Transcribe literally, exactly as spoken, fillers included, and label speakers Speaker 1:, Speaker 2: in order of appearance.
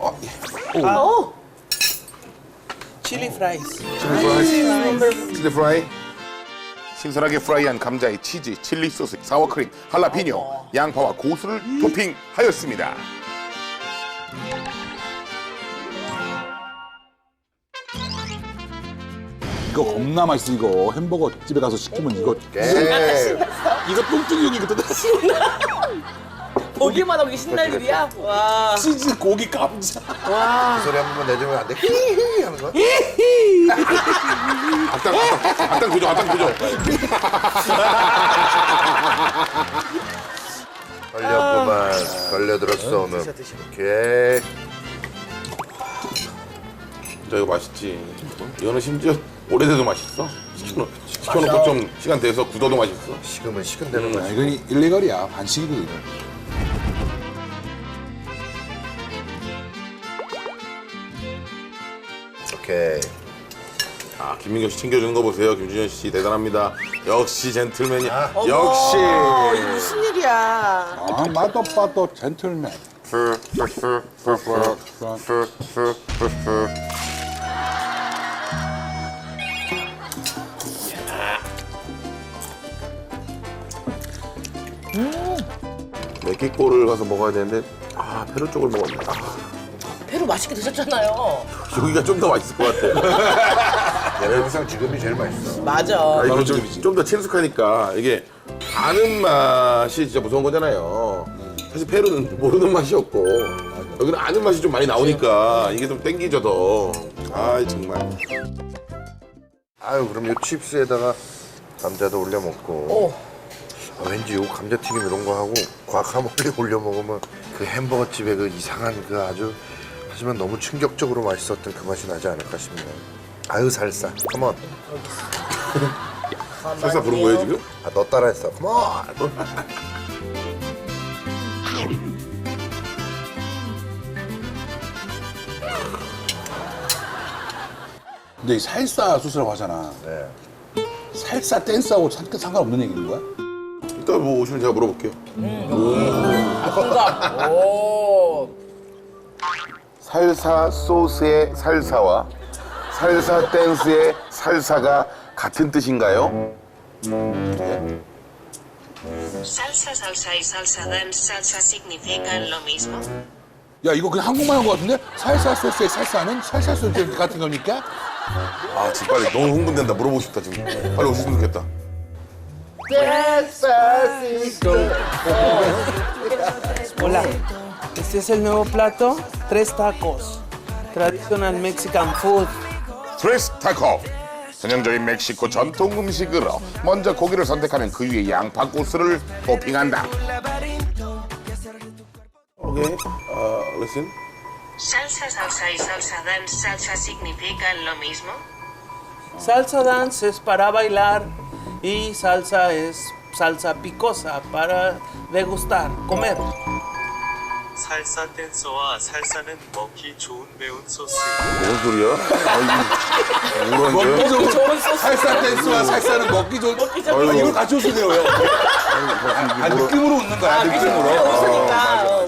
Speaker 1: 어, 예.
Speaker 2: 아, 오.
Speaker 3: 칠리 프라이스.
Speaker 1: 칠리 프라이. 신선하게 프라이한 감자에 치즈, 칠리 소스, 사워크림, 할라피뇨, 양파와 고수를 토핑하였습니다.
Speaker 4: 이거 겁나 맛있어 이거. 햄버거 집에 가서 시키면 이거
Speaker 1: 예.
Speaker 4: 이거 뚱뚱이 형이 그때
Speaker 2: 보기만 하고 이게 신날 일이야? 와.
Speaker 4: 치즈 고기 감자.
Speaker 5: 그 소리 한 번만 내주면 안 돼? 히히 하는 거야?
Speaker 1: 악당, 악당, 악당 구조, 악당 구조.
Speaker 5: 걸렸구만. 걸려들었어 오늘. 오케이.
Speaker 1: 진짜 이거 맛있지. 이거는 심지어 오래돼도 맛있어. 시켜놓, 시켜놓고 좀 시간 돼서 굳어도 맛있어.
Speaker 5: 식으면 식은 대로
Speaker 4: 야,
Speaker 5: 맛있어.
Speaker 4: 이건 일레걸이야. 반칙이거든. 이거.
Speaker 5: 오케이.
Speaker 1: 아, 김민경 씨 챙겨주는 거 보세요. 김준현 씨 대단합니다. 역시 젠틀맨이.
Speaker 2: 어머,
Speaker 1: 역시.
Speaker 2: 이게 무슨 일이야?
Speaker 4: 아, 마도 빠도 젠틀맨.
Speaker 1: 맥기꼬를 가서 먹어야 되는데 아 페루 쪽을 먹었네. 아,
Speaker 2: 배로 맛있게 드셨잖아요.
Speaker 1: 여기가 좀 더 맛있을 것 같아.
Speaker 5: 내가 항상 지금이 제일 맛있어.
Speaker 2: 맞아.
Speaker 1: 아, 이거
Speaker 4: 집이지.
Speaker 1: 좀 더 친숙하니까 이게 아는 맛이 진짜 무서운 거잖아요. 사실 페루는 모르는 맛이었고 여기는 아는 맛이 좀 많이 나오니까 이게 좀 땡기죠 더. 아 정말.
Speaker 5: 아유 그럼 요 칩스에다가 감자도 올려 먹고.
Speaker 2: 오.
Speaker 5: 아, 왠지 요 감자튀김 이런 거 하고 과카몰레 올려 먹으면 그 햄버거 집에 그 이상한 그 아주 하지만 너무 충격적으로 맛있었던 그 맛이 나지 않을까 싶네요. 아유 살사. 컴온.
Speaker 1: 설사 부른 거예요 지금?
Speaker 5: 아, 너 따라했어. 컴온.
Speaker 4: 근데 이 살사 수술이라고 하잖아.
Speaker 5: 네.
Speaker 4: 살사 댄스하고 상- 상관없는 얘기인 거야?
Speaker 1: 이따 뭐 오시면 제가 물어볼게요.
Speaker 2: 공감. 오.
Speaker 1: 살사 소스의 살사와 살사 댄스의 살사가 같은 뜻인가요?
Speaker 6: Salsa, salsa y salsa dance, salsa significan lo mismo.
Speaker 4: 야 이거 그냥 한국말 한 거 같은데? 살사 소스의 살사는 살사 소스 같은 겁니까?
Speaker 1: 아 지금 빨리 너무 흥분된다. 물어보고 싶다 지금. 빨리 오시면 좋겠다.
Speaker 3: Hola. Este es el nuevo plato, tres tacos. Traditional Mexican food.
Speaker 1: 트레스 타코. 전형적인 멕시코 전통 음식으로 먼저 고기를 선택하면 그 위에 양파 고수를 토핑한다. 오케이. 어, listen.
Speaker 6: Salsa, salsa y salsa dance, salsa significan lo mismo.
Speaker 3: Salsa dance es para bailar y salsa es salsa picosa para degustar, comer.
Speaker 7: 살사 댄서와 살사는 먹기 좋은 매운 소스.
Speaker 1: 뭔 소리야? 아이, 뭐라는
Speaker 4: 먹기
Speaker 1: 거야?
Speaker 4: 좋은 살사 댄스와 살사는 먹기 좋은. 아, 이걸 같이 웃으네요. 아, 느낌으로 웃는 거야. 느낌으로.
Speaker 2: 웃으니까.